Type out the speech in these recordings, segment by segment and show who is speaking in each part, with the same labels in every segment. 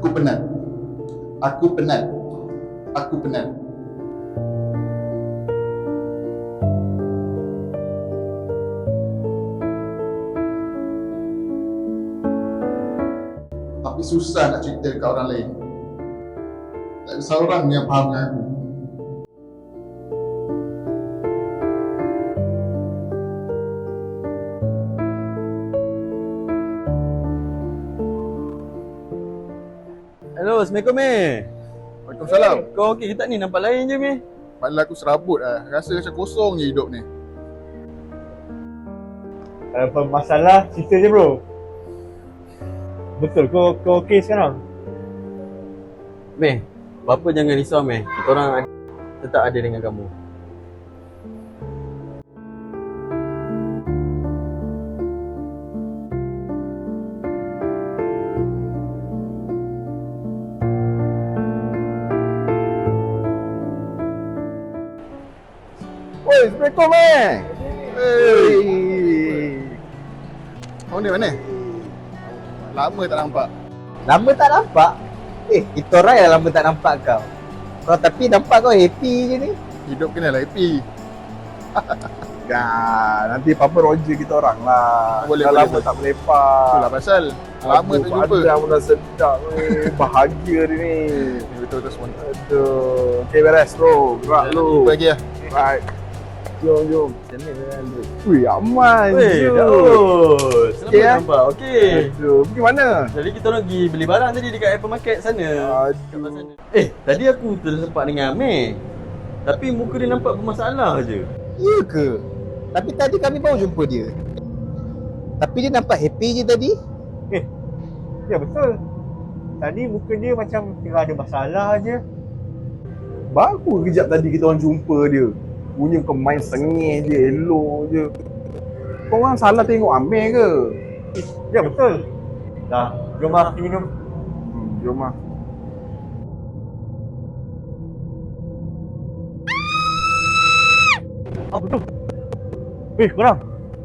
Speaker 1: Aku penat. Aku penat. Aku penat. Tapi susah nak cerita dekat orang lain. Tak ada seorang yang faham dengan aku.
Speaker 2: Hello, Assalamualaikum meh.
Speaker 1: Waalaikumsalam.
Speaker 2: Kau okey ke tak ni? Nampak lain je meh.
Speaker 1: Padahal aku serabut lah. Rasa macam kosong je hidup ni.
Speaker 3: Kalau apa masalah, cerita je bro. Betul, kau okey sekarang?
Speaker 2: Meh, bapa jangan risau meh. Kita orang tetap ada dengan kamu.
Speaker 1: Oi, Assalamualaikum eh. Hey. Kau ni mana? Lama tak nampak.
Speaker 4: Lama tak nampak? Kita orang yang lama tak nampak kau. Tapi nampak kau happy je ni.
Speaker 1: Hidup kena lah happy.
Speaker 5: Nanti Papa Roger kita orang lah.
Speaker 1: Boleh,
Speaker 5: Dah
Speaker 1: boleh,
Speaker 5: lama
Speaker 1: boleh.
Speaker 5: tak berlepak.
Speaker 1: Itulah pasal. Lama tak jumpa.
Speaker 5: Padang pun dah sedap ni. Bahagia dia ni.
Speaker 1: Betul-betul semua.
Speaker 5: Aduh. Okay, beres bro. Gerak lu.
Speaker 1: Jumpa lagi lah.
Speaker 5: Right. Jom. Ui, aman
Speaker 2: Weh,
Speaker 5: je.
Speaker 2: Daud. Selamat
Speaker 5: Okey,
Speaker 2: nampak. Okey.
Speaker 5: Aduh, pergi mana?
Speaker 2: Jadi kita orang pergi beli barang tadi dekat hypermarket sana. Kat
Speaker 5: Aduh.
Speaker 2: sana. Tadi aku tersempat dengan Amir. Tapi muka dia nampak bermasalah je.
Speaker 4: Ya ke? Tapi tadi kami baru jumpa dia. Tapi dia nampak happy je tadi.
Speaker 3: Ya betul. Tadi muka dia macam tengah ada masalah je.
Speaker 5: Baru kejap tadi kita orang jumpa dia. Punya kau main sengih je, elok je. Kau orang salah tengok Amir ke?
Speaker 3: Ya betul. Dah, jom lah pergi minum.
Speaker 5: Jom lah.
Speaker 3: Apa tu? Korang.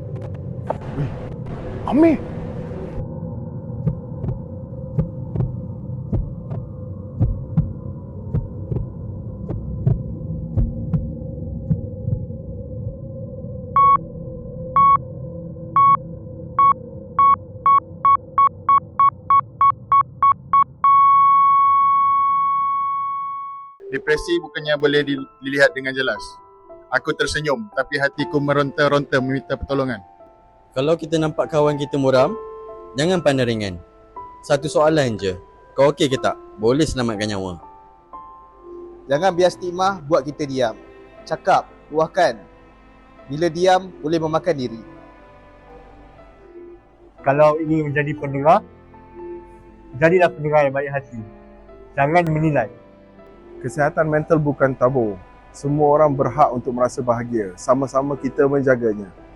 Speaker 5: Amir!
Speaker 1: Depresi bukannya boleh dilihat dengan jelas. Aku tersenyum tapi hatiku meronta-ronta meminta pertolongan.
Speaker 2: Kalau kita nampak kawan kita muram, jangan pandang ringan. Satu soalan je. Kau okey ke tak? Boleh selamatkan nyawa.
Speaker 4: Jangan biar stigma buat kita diam. Cakap, luahkan. Bila diam, boleh memakan diri.
Speaker 3: Kalau ingin menjadi pendengar, jadilah pendengar yang baik hati. Jangan menilai.
Speaker 5: Kesihatan mental bukan tabu. Semua orang berhak untuk merasa bahagia. Sama-sama kita menjaganya.